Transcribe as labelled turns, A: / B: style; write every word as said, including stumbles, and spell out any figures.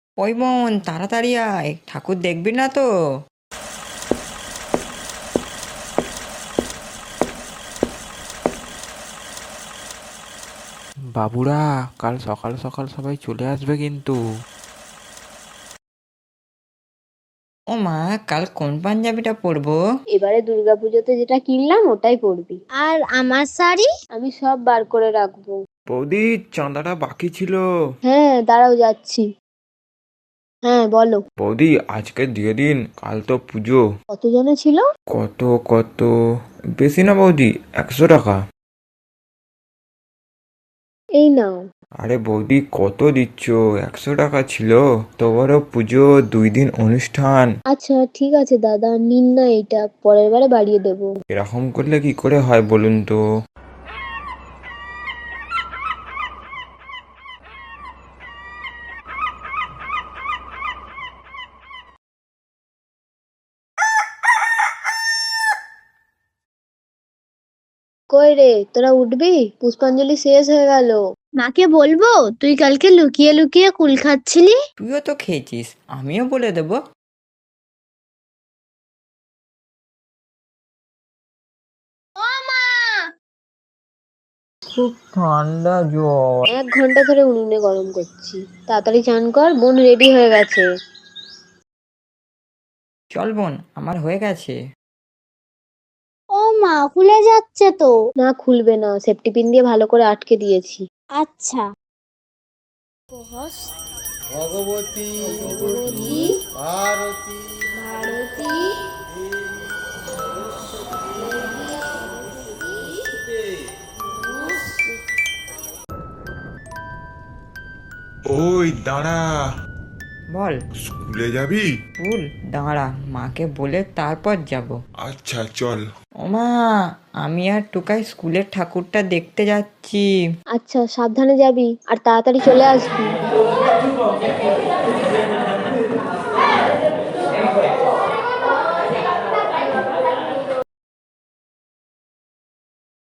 A: ওই বোন, তাড়াতাড়ি আয়, ঠাকুর দেখবি না তো?
B: বাবুরা, কাল সকাল সকাল সবাই চলে আসবে কিন্তু।
A: ও মা, কাল কোন পাঞ্জাবিটা পরবো?
C: এবারে দুর্গাপুজোতে যেটা কিনলাম ওটাই পরবি।
D: আর আমার শাড়ি?
C: আমি সব বার করে রাখবো।
B: বৌদি, চাঁদাটা বাকি ছিল।
C: হ্যাঁ, দাঁড়াও যাচ্ছি। হ্যাঁ, বলো।
B: বৌদি, আজকে দিয়ে দিন, কাল তো পুজো।
C: কত জনে ছিল?
B: কত কত বেশি না বৌদি, একশো টাকা।
C: এই নাও।
B: আরে বৌদি, কত দিচ্ছ? একশো টাকা ছিল। তোমারও পুজো, দুই দিন অনুষ্ঠান।
C: আচ্ছা ঠিক আছে দাদা, নিন না, এটা পরের বারে বাড়িয়ে দেবো।
B: এরকম করলে কি করে হয় বলুন তো?
C: কই রে, তোরা উঠবি? পুষ্পাঞ্জলি শেষ হয়ে গেল।
D: মাকে বলবো তুই কালকে লুকিয়ে লুকিয়ে কুল খাচ্ছিলি?
A: তুইও তো খেয়েছিস, আমিও বলে দেবো। খুব ঠান্ডা জ্বর।
C: এক ঘন্টা ধরে উনুনে গরম করছি। তাড়াতাড়ি চান কর, বোন রেডি হয়ে গেছে।
A: চল বোন, আমার হয়ে গেছে।
D: ও মা, খুলে যাচ্ছে তো।
C: না, খুলবে না, সেফটি পিন দিয়ে ভালো করে আটকে দিয়েছি।
D: আচ্ছা।
E: ভগবতী ভারতী
D: ভারতী
F: ওই দাঁড়া,
A: বল।
F: স্কুলে যাবি?
A: স্কুল? দাঁড়া, মাকে বলে তারপর যাব।
F: আচ্ছা চল।
A: ও মা, আমি আর টুকাই স্কুলের ঠাকুরটা দেখতে যাচ্ছি।
C: আচ্ছা, সাবধানে যাবি আর তাড়াতাড়ি চলে আসবি।